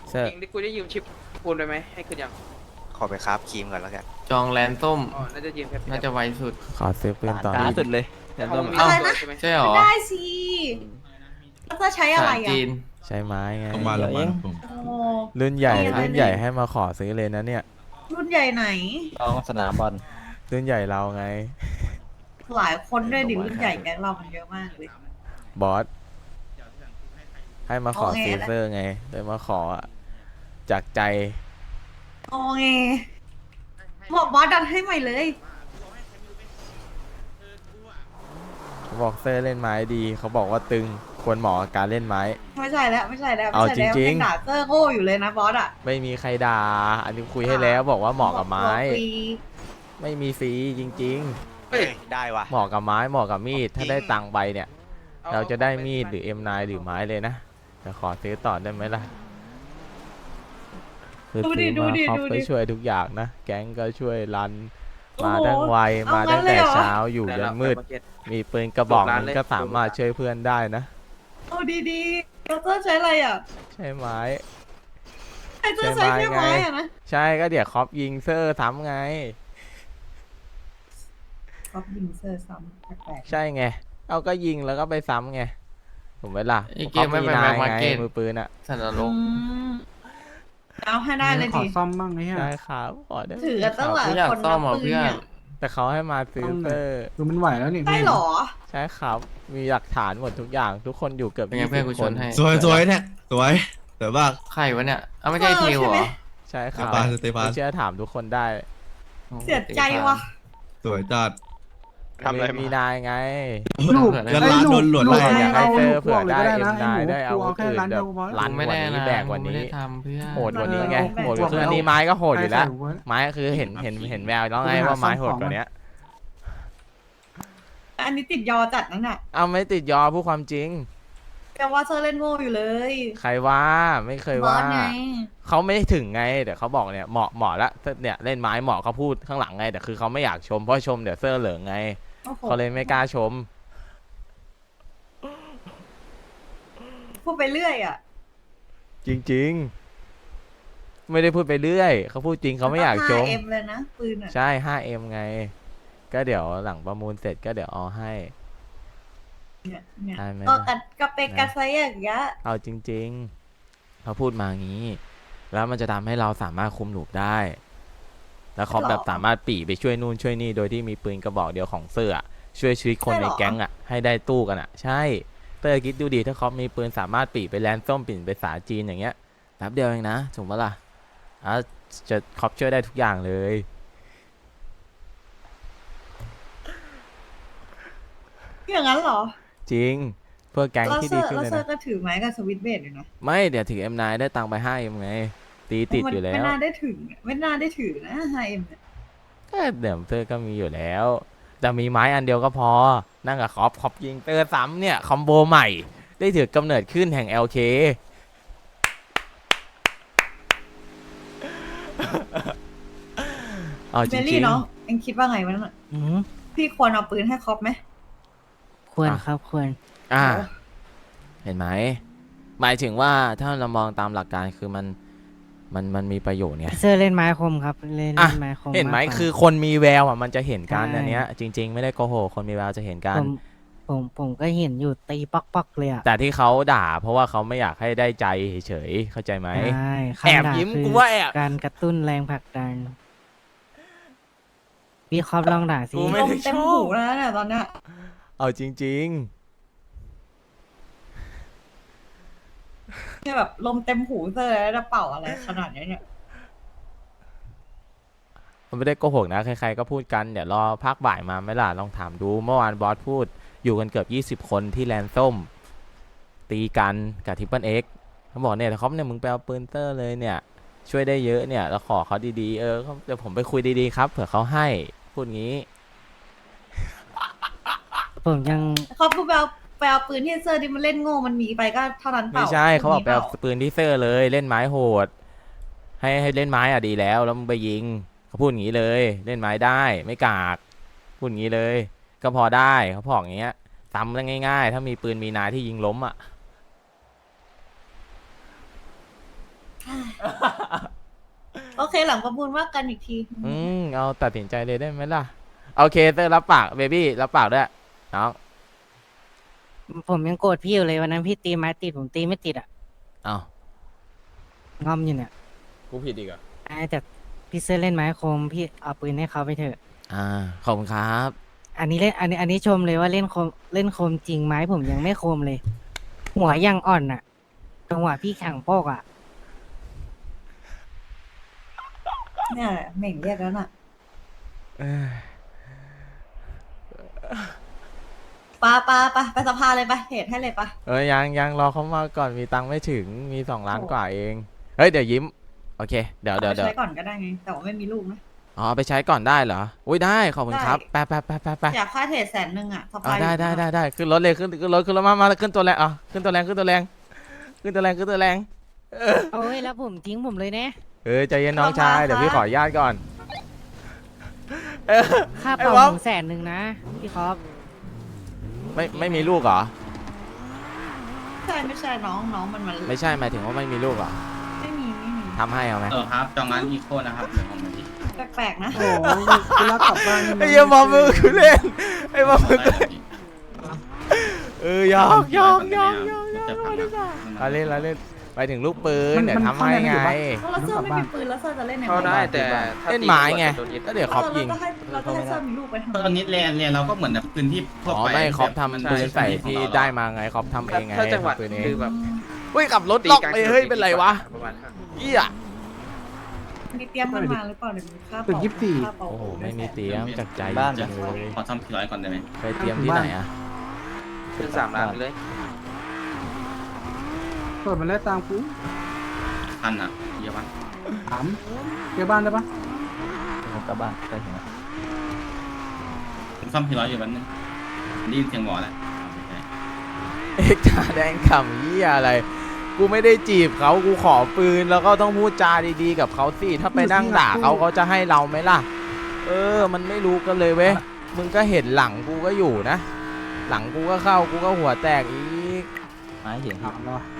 เซอร์จริงที่กูได้ยืมชิปปูนไปไหมให้คืนยังขอไปคราฟครีมก่อนแล้วกันจองแลนส้มอ๋อน่าจะยืมแค่น่าจะไวสุดขอซื้อปืนต่อล่าสุดเลยแต่ของมีเอ้าตัวใช่ไหมใช่หรอได้สิแล้วจะใช้อะไรสายอ่ะจีนใช้ไม้ไงลงมาลงมาผมโอ้รุ่นใหญ่มีอะไรรุ่นใหญ่ให้มาขอซื้อเลยนะเนี่ยรุ่นใหญ่ไหนต้องสนามบอลรุ่นใหญ่เราไงหลายคนด้วยดิรุ่นใหญ่แก๊งเรามันเยอะมากเลยบอสให้มาขอโอเคซื้อเซอร์ไงเลยมาขอจากใจโอเคบอกบอสดันให้ใหม่เลยเขาบอกเซอร์เล่นไม้ดี เขาบอกว่าตึงควรเหมาะกับการเล่นไม้ไม่ใช่แล้วไม่ใช่แล้วเอาไม่ใช่แล้วจริงๆยังด่าเซอร์โง่อยู่เลยนะบอสอ่ะไม่มีใครด่า อันนี้คุยให้แล้วบอกว่าเหมาะกับไม้บอกฟรีไม่มีฟรีจริงเฮ้ย ได้ว่ะๆ เหมาะกับไม้เหมาะกับมีด ถ้าได้ตังค์ไปเนี่ย เราจะได้มีดหรือ M9 หรือไม้เลยนะจะขอซื้อต่อได้ไหมล่ะคือซื้อมาครอบก็ช่วยทุกอย่างนะ แก๊งก็ช่วยรัน มาทั้งไวมาตั้งแต่เช้าอยู่ยันมืด มีปืนกระบอกนึงก็สามารถช่วยเพื่อนได้นะเอาดีๆแล้วเซอร์ใช้อะไรอ่ะใช่ไหมไอเซอร์ใช้แค่ไม้อ่ะนะใช่ก็เดี๋ยวคอปยิงเซอร์ซ้ำไงก็ยิงเซอร์ซ้ำแปลกใช่ไง เอาก็ยิงแล้วก็ไปซ้ำไงถูกไหมล่ะไอ้เกมไม่คไปอปนายแบ็คมาร์ไงเก็ตมือปืนอ่ะสันนๆรกเอาให้ได้เลยขอดิซ่อมบ้างไอ้เหี้ยได้ครับขอได้ถือกันตั้งหลายไม่อยากคนซ่อนะมอ่ะปืนเพื่อนเนี่ยแต่เขาให้มาซื้อเซอร์ดูมันไหวแล้วนี่ได้เหรอใช่ครับ มีหลักฐานหมดทุกอย่าง ทุกคนอยู่เกือบเป็นไงเพื่อนกู 20 ชคน นให้สวยสวยเนี่ยสวยสวยมากใครวะเนี่ยเอาไม่ใช่เออเทลใช่เหไหรมอใช่คสรับเตฟานสเตฟานไม่เชื่อถามทุกคนได้เสียใจว่ะสวยจัดทำอะไรมามีมีนายไงลูกเงินล้านโดนหลวดไล่อยากให้เซอร์เผื่อได้นะ M9 ได้เอาแค่อื่นร้านแบเดียบวพอรันไม่กว่าได้นี้นะแบกกว่าไม่นี้ได้ทำเพื่อนโหดกว่านี้ไงแบกโหดกว่าคืออันนี้ไม้ก็โหดอยู่แล้วใส่หัวไม้ก็คือเห็นแววแล้วไงว่าไม้โหดกว่านี้อันนี้ติดยอจัดนั่นน่ะเอาไม่ติดยอพูดความจริงแต่ว่าเซอร์เล่นโง่อยู่เลยใครว่าไม่เคยบอว่าสไงเขาไม่ได้ถึงไงแต่เขาบอกเนี่ยเหมาะแล้วเนี่ยเล่นไม้เหมาะเขาพูดข้างหลังไงแต่คือเขาไม่อยากชมเพราะชมเดี๋ยวเซอร์เหลืองไงโอ้โหเขาเลยไม่กล้าชมพูดไปเรื่อยอ่ะจริงๆ ไม่ได้พูดไปเรื่อยเขาพูดจริงเขาไม่อยากชม 5M เลยนะปืนอ่ะใช่ 5M ไง ก็เดี๋ยวหลังประมูลเสร็จก็เดี๋ยวเอาให้เนี่ยได้ไหมก็ล่ะกระเปกกระไซอย่างเงี้ยเอาจริงๆเขาพูดมางี้ แล้วมันจะทำให้เราสามารถคุมหลูปได้ แล้วเขาแบบสามารถปี่ไปช่วยนู่นช่วยนี่โดยที่มีปืนกระบอกเดียวของเสื้อช่วยชีวิตคนในแก๊งอ่ะให้ได้ตู้กันอ่ะ ใช่เตอร์คิดดูดีถ้าเขามีปืนสามารถปี่ไปแลนด์ส้มปี่ไปสาจีนอย่างเงี้ยแป๊บเดียวเองนะถูกปะล่ะจะครอบช่วยได้ทุกอย่างเลยอย่างนั้นเหรอจริง เพื่อแก๊งแล้วที่เซดีอร์ขึ้นแล้วเลยเซอนะร์ก็ถือไม้กับสวิตช์เบสอยู่นะไม่เดี๋ยวถือ M9 ได้ตังค์ไป 5M ไงตีติดอยู่แล้ไม่วน่าได้ถึงไม่น่าได้ถือนะ 5M เนี่ยก็เดี๋ยวเตอร์ก็มีอยู่แล้วแต่มีไม้อันเดียวก็พอนั่งกับคอปยิงเตอร์ซ้ำเนี่ยคอมโบใหม่ ได้ถือกำเนิดขึ้นแห่ง LK เอาเมจลี่ริงเนาะเอ็งคิดว่าไงวะนั่นน่ะอืมพี่ควรเอาปืนให้ครอปไหมควรครับควรๆเห็นไหมหมายถึงว่าถ้าเรามองตามหลักการคือมันมีประโยชน์ไงเซอร์เล่นไม้คมครับเล่นอ่ะไม้คมเห็นไหมากกว่าคือคนมีแววอ่ะมันจะเห็นกันใช่อันเนี้ยจริง ๆ ไม่ได้โกหกคนมีแววจะเห็นกันผมก็เห็นอยู่ตีป๊อกเลยอ่ะแต่ที่เขาด่าเพราะว่าเขาไม่อยากให้ได้ใจเฉยๆเข้าใจไหมใช่แอบคำด่ายิ้มคือกูว่าแอบการกระตุ้นแรงผลักดันพี่ครอบลองด่าสิกูลไม่มได้เต็มชอหูบแล้วเนี่ยตอนเนี้ยเอาจริงเนี่ยแบบลมเต็มหูเซอร์แล้วจะเป่าอะไรขนาดนี้เนี่ยๆ มันไม่ได้โกหกนะ ใครๆก็พูดกัน เดี๋ยวรอภาคบ่ายมาไหมล่ะ ลองถามดู เมื่อวานบอสพูดอยู่กันเกือบ20 คนที่แลนด์ส้ม ตีกันกับทิปเปิลเอ็กเขาบอกเนี่ยเขาเนี่ยมึงไปเอาปืนเตอร์เลยเนี่ย ช่วยได้เยอะเนี่ย แล้วขอเขาดีๆ เดี๋ยวผมไปคุยดีๆครับ เผื่อเขาให้ พูดงี้ผมยังเขาพูดไปเอาปืนที่เซอร์ที่มันเล่นโง่มันมีไปก็เท่านั้นเปไม่ล่าใช่เขาบอกไปมีเอาปืนที่เซอร์เลยเล่นไม้โหด ให้เล่นไม้อ่ะดีแล้วมึงไปยิงเขาพูดอย่างนี้เลย เล่นไม้ได้ไม่กากพูดอย่างนี้เลย ก็พอได้เขาบอกอย่างเงี้ยซ้ำได้ง่ายๆ ถ้ามีปืนมีนายที่ยิงล้มอ่ะเปล่าโอเคหลังประมูลว่ากันอีกทีเอาตัดสินใจเลยได้ไหมล่ะโอเคเตอร์รับปากเบบี้รับปากด้วยน้องผมยังโกรธพี่อยู่เลยวันนั้นพี่ตีไม้ติดผมตีไม่ติดอ่ะเอางอมอยู่เนี่ยกูผิดอีกเหรอแต่พี่เสื้อเล่นไม้โคมพี่เอาปืนให้เขาไปเถอะขอบคุณครับอันนี้เล่นอันนี้ชมเลยว่าเล่นโคมจริงไม้ผมยังไม่โคมเลย หัวยังอ่อนอ่ะจังหวะพี่แข่งโปกอ่ะเนี่ยแหละเหม่งเรียกแล้วน่ะไปสภาเลยไปเหตุให้เลยไปยังรอเขามาก่อนมีตังค์ไม่ถึงมี2 ล้านกว่าเองเฮ้ยเดี๋ยวยิ้มโอเคเดี๋ยวอาไปใช้ก่อนก็ได้ไง แต่ว่าไม่มีลูกนะอ๋อไปใช้ก่อนได้เหรออุ้ยได้ขอบคุณครับได้ไปอยากค่าเทรด100,000อ่ะสอ๋ภาอได้ขึ้นรถเลยขึ้นรถมาขึ้นตัวแรงขึ้นตัวแรงโอ้ยแล้วผมทิ้งผมเลยเนี่ยใจเย็นน้องชายเดี๋ยวพี่ขออนุญาตก่อนค่าไอ้เป่าบ๊อบหมู100,000นะพี่ครับไม่มีลูกเหรอไม่ใช่น้องมันไม่ใช่หมายถึงว่าไม่มีลูกเหรอไม่มีทำให้เอาไหมครับจองร้านอีโคนะครับเดี๋ยวผมมาดิแปลกๆนะโอ้โหคุณรักกลับบ้านไอ้เหี้ยบอมมือคือเล่นไอ้บอมมือหยอกจะพังนะเราเล่นไปถึงลูกปืนเดี๋ยวทำให้ไงแล้วเซอร์ไม่มีปืนแล้วเซอร์จะเล่นยังไงเข้าได้แต่ถ้าเล่นไม้ไงโดนยึดก็เดี๋ยวคอปยิงเราจะให้เซอร์มีลูกไปทำตอนนี้เรียนเราก็เหมือนแบบพื้นที่ทั่วอ๋อไปไม่คอปทำปืนใส่ที่ได้มาไงคอปทำเองไงถ้าจังหวัดทำปืนเองคือแบบเฮ้ยขับรถตีล็อกกลางไปเฮ้ยเป็นไรวะประมาณเหี้ยมีเตรียมกันมาหรือเปล่าเดี๋ยวมีค่าตึก24 ค่าเป่าโอ้โหไม่มีเตรียมจากใจบ้านจังเลยขอทำ400ก่อนได้ไหมไปเตรียมที่ไหนอะขึ้น3 ล้านเลยเปิดมาแล้วตามกูพันอ่ะเยอะปะถามเจอบ้านได้ปะผมกลับบ้านไปถึงผมซ่อม400อยู่วันนึงได้ยินเสียงหมอแหละเอ็กซ์ตาแดงขำเหี้ยอะไร กูไม่ได้จีบเขากูขอปืนแล้วก็ต้องพูดจาดีๆกับเขาสิถ้าไปนั่งด่าเขาจะให้เราไหมล่ะ มันไม่รู้กันเลยเว้ยมึงก็เห็นหลังกูก็อยู่นะ หลังกูก็เข้ากูก็หัวแตกอีกไม่เห็นถามแล้ววะ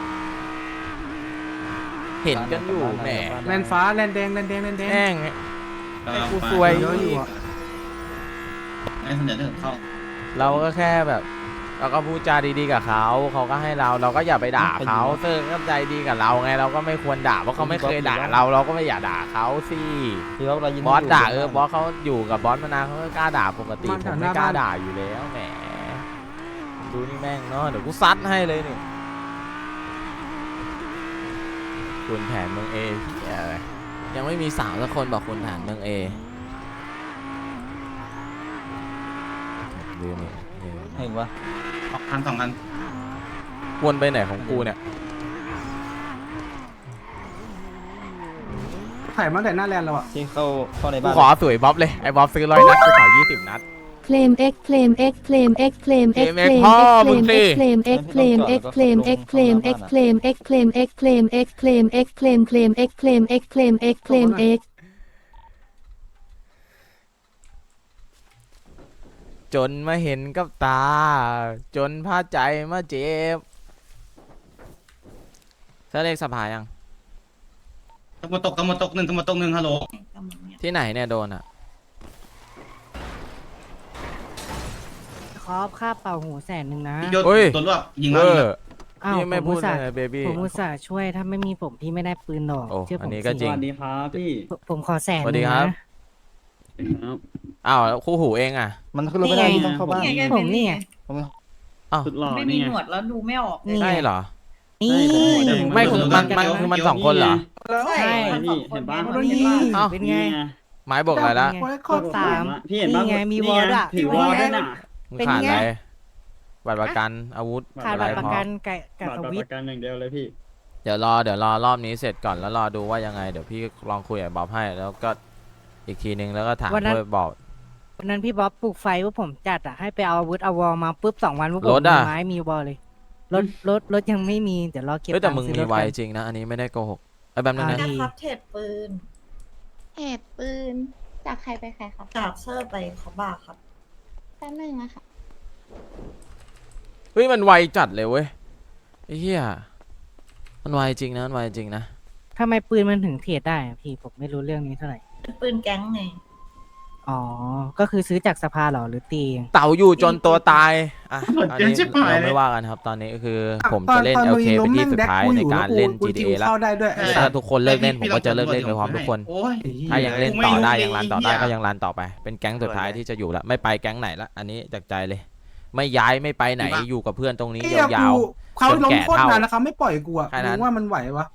เห็นกันอยู่แหมแลนฟ้าแลนแดงแลนแดงแลนแดงแม่ง ให้กูซวยเยอะอยู่อ่ะให้เสนอเรื่องเข้าเราก็แค่แบบ เราก็พูดจาดีๆกับเขาเขาก็ให้เราก็อย่าไปด่าเขาเซอร์ก็ใจดีกับเราไงเราก็ไม่ควรด่าเพราะเขาไม่เคยด่าเราก็ไม่อยากด่าเขาสิบอสด่าบอสเขาอยู่กับบอสมานานเขาก็กล้าด่าปกติผมไม่กล้าด่าอยู่แล้วแหมดูนี่แม่งเนาะเดี๋ยวกูซัดให้เลยนี่คุณแผนเมืองเอยังไม่มีสาวสักคนบอกคุณแผนเมืองเอลืมเนี่ยเห็นวะพัน2พันวนไปไหนของกูเนี่ยถ่ายมาแต่หน้าแลนเราอ่ะที่เข้าในกูบ้านขอสวยบ๊อบเลยไอ้บ๊อบซื้อ100 นัดกูขอ20 นัดเคลม X เคลม X เคลม X เคลม X เคลมพ่อมึงสิเคลม X เคลม X เคลม X เคลม X เคลม X เคลม X เคลม X เคลม X เคลมเคลม X เคลม X เคลม X เคลม X จนมาเห็นกับตา จนพาใจมาเจ็บเธอเลขสภายังตะวันตกหนึ่งฮัลโหลที่ไหนเนี่ยโดนอ่ะครอบค่าเป่าหู100,000นะยศเฮ้ยตัวรวบยิงเอแล้วออ้าวนี่ไม่ผมพูอุดตส่าห์เลยเบบี้ผมอุตส่าห์ช่วยถ้าไม่มีผมพี่ไม่ได้ปืนหรอกโอ้เชื่ออัผมนนี้ก็สิจริงครับพี่ผมขอ100,000 สวัสดีครับ อ้าวแล้วคู่หูเองอ่ะมันขึ้นรถไม่ได้พี่ต้องเข้าบ้านผมนี่ไงอ้าวสุดหล่อไม่นี่มีไงหนวดแล้วดูไม่ออกนี่ใช่เหรอนี่ไม่คือมันคือมัน2 คนเหรอใช่นี่เห็นปะนี่อ้าวเป็นไงไม้บอกอะไรละกด3 พี่เห็นปะนี่ไงมีวอลด้วยถือวอลด้วยน่ะมึงเป็นขาดไงอะไรบัตรประกันอาวุธขาดอะไรบัตรประพอกันกับสวิตประกันอย่างเดียวเลยพี่เดี๋ยวรอรอบนี้เสร็จก่อนแล้วรอดูว่ายังไงเดี๋ยวพี่ลองคุยกับบ๊อบให้แล้วก็อีกทีนึงแล้วก็ถามเพื่อบอกวันนั้นพี่บ๊อบปลูกไฟว่าผมจัดอ่ะให้ไปเอาอาวุธเอาวอลมาปุ๊บ2 วันว่าผมรถมีอะไม้มีวอลเลยรถยังไม่มีเดี๋ยวรอเก็บเฮ้ยแต่ตังมึงค์ซื้อมีรถไวกันจริงนะ อันนี้ไม่ได้โกหกไอ้แป๊บนึงนะอ่านะครับเทรดปืนเหตุปืนจากใครไปใครครับจากเซอร์ไปเขาบ้าครับแป๊บนึงนะคะเฮ้ยมันไวจัดเลยเว้ยไอ้เหี้ยมันไวจริงนะมันไวจริงนะทำไมปืนมันถึงเทรดได้อะพี่ผมไม่รู้เรื่องนี้เท่าไหร่ปืนแก๊งไงอ๋อ ก็คือซื้อจากสภาเหรอหรือตีเองเต่าอยู่จนตัวตายอ่ะหมดอันเกินนี้ชิบหายเราเลยไม่ว่ากันครับ ตอนนี้ก็คือผมตอจะเล่นตอ LK มึงเป็นที่ล้มสุดแม่งท้ายแดกกูในอยู่การแล้วเล่นกู GTA แล้วเข้าได้ด้วยถ้าทุกคนเลิกเล่นผมก็จะเลิกเล่นไปพร้อมทุกคนโอ้ยถ้ายังเล่นกูไม่ต่อได้รู้ยังรันต่อเลยได้ไอ้เหี้ยก็ยังรันต่อไป เป็นแก๊งสุดท้ายที่จะอยู่แล้วไม่ไปแก๊งไหนละอันนี้จากใจเลย ไม่ย้ายไม่ไปไหนอยู่กับเพื่อนตรงนี้ไอ้เหี้ยยาวกูเขาล้มจนแก่โคตรเท่านานแล้วเขาไม่ปล่อยกูอะแค่นั้นมึงว่ามันไหววะ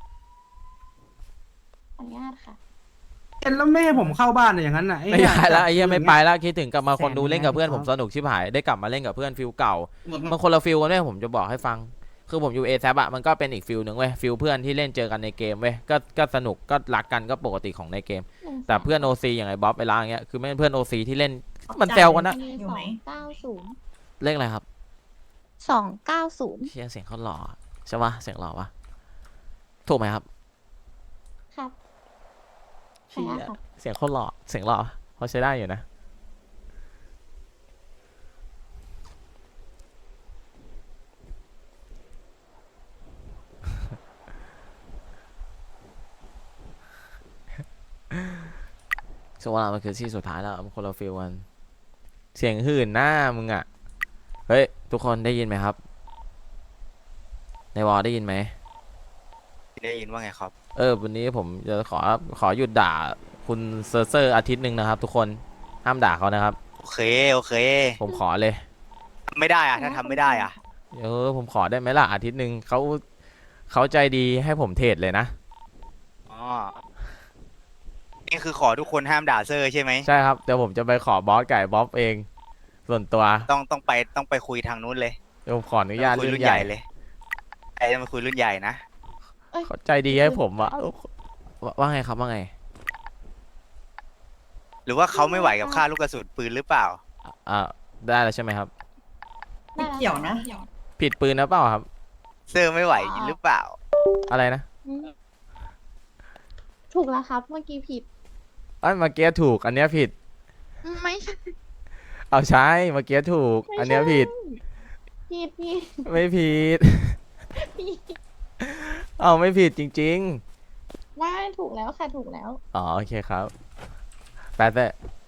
ขออนุญาตค่ะเห็นแล้วไม่ให้ผมเข้าบ้านอะอย่างนั้นน่ะๆไม่ย้ายแล้วไอ้เหี้ยไม่ไปแล้วคิดถึงกลับมาคนดูแสนเล่นกับเพื่อนแสนผมสนุกชิบหายได้กลับมาเล่นกับเพื่อนฟิลเก่าหมดมันคนละฟิลกันด้วยผมจะบอกให้ฟัง คือผมอยู่เอแซอะมันก็เป็นอีกฟิลหนึ่งเว้ยฟิลเพื่อนที่เล่นเจอกันในเกมเว้ยก็สนุกก็รักกันก็ปกติของในเกม แต่เพื่อนโอซีอย่างไอ้บ๊อบไอ้ล้างอย่างเงี้ยคือไม่เป็นเพื่อนโอซีที่เล่นมันแซวกันนะมีอยู่ไหม 290 เลขอะไรครับ 290 เชี่ยเสียงเขาหล่อใช่ปะเสียงหล่อปะถูกไหมครับครับเชี่ยใช่ค่ะเสียงเขาหล่อเสียงหล่อเขาใช้ได้อยู่นะช่วงเวลามันคือที่สุดท้ายแล้วมันคนละฟิลกันเสียงหื่นหน้ามึงอ่ะเฮ้ยทุกคนได้ยินไหมครับในวอลได้ยินไหมได้ยินว่าไงครับวันนี้ผมจะขอหยุดด่าคุณเซอร์เซอร์อาทิตย์หนึ่งนะครับ ทุกคนห้ามด่าเขานะครับโอเค โอเคผมขอเลยไม่ได้อะถ้าทำไม่ได้อะผมขอได้ไหมล่ะอาทิตย์หนึ่งเขาใจดีให้ผมเทรดเลยนะอ๋อ นี่คือขอทุกคนห้ามด่าเซอร์ใช่ไหมใช่ครับเดี๋ยวผมจะไปขอบอสไก่บ๊อบเอง ส่วนตัวต้องไปคุยทางนู้นเลยเดี๋ยวผมขออนุญาตคุยรุ่นใหญ่เลยไอ้มาคุยรุ่นใหญ่นะเขาใจดีให้ผมว่าไงครับว่าไงหรือว่าเขาไม่ไหวกับค่าลูกกระสุนปืนหรือเปล่าได้แล้วใช่ไหมครับไม่เกี่ยวนะผิดปืนนะเปล่าครับเซอร์ไม่ไหวหรือเปล่าอะไรนะถูกแล้วครับ เมื่อกี้ผิดเมื่อกี้ถูกอันเนี้ยผิดไม่ใช่เอาใช่เมื่อกี้ถูก อันเนี้ยผิดผิดไม่ผิดผิดเอาไม่ผิดจริงไม่ถูกแล้วค่ะ ถูกแล้วๆอ๋อโอเคครับแปดแต่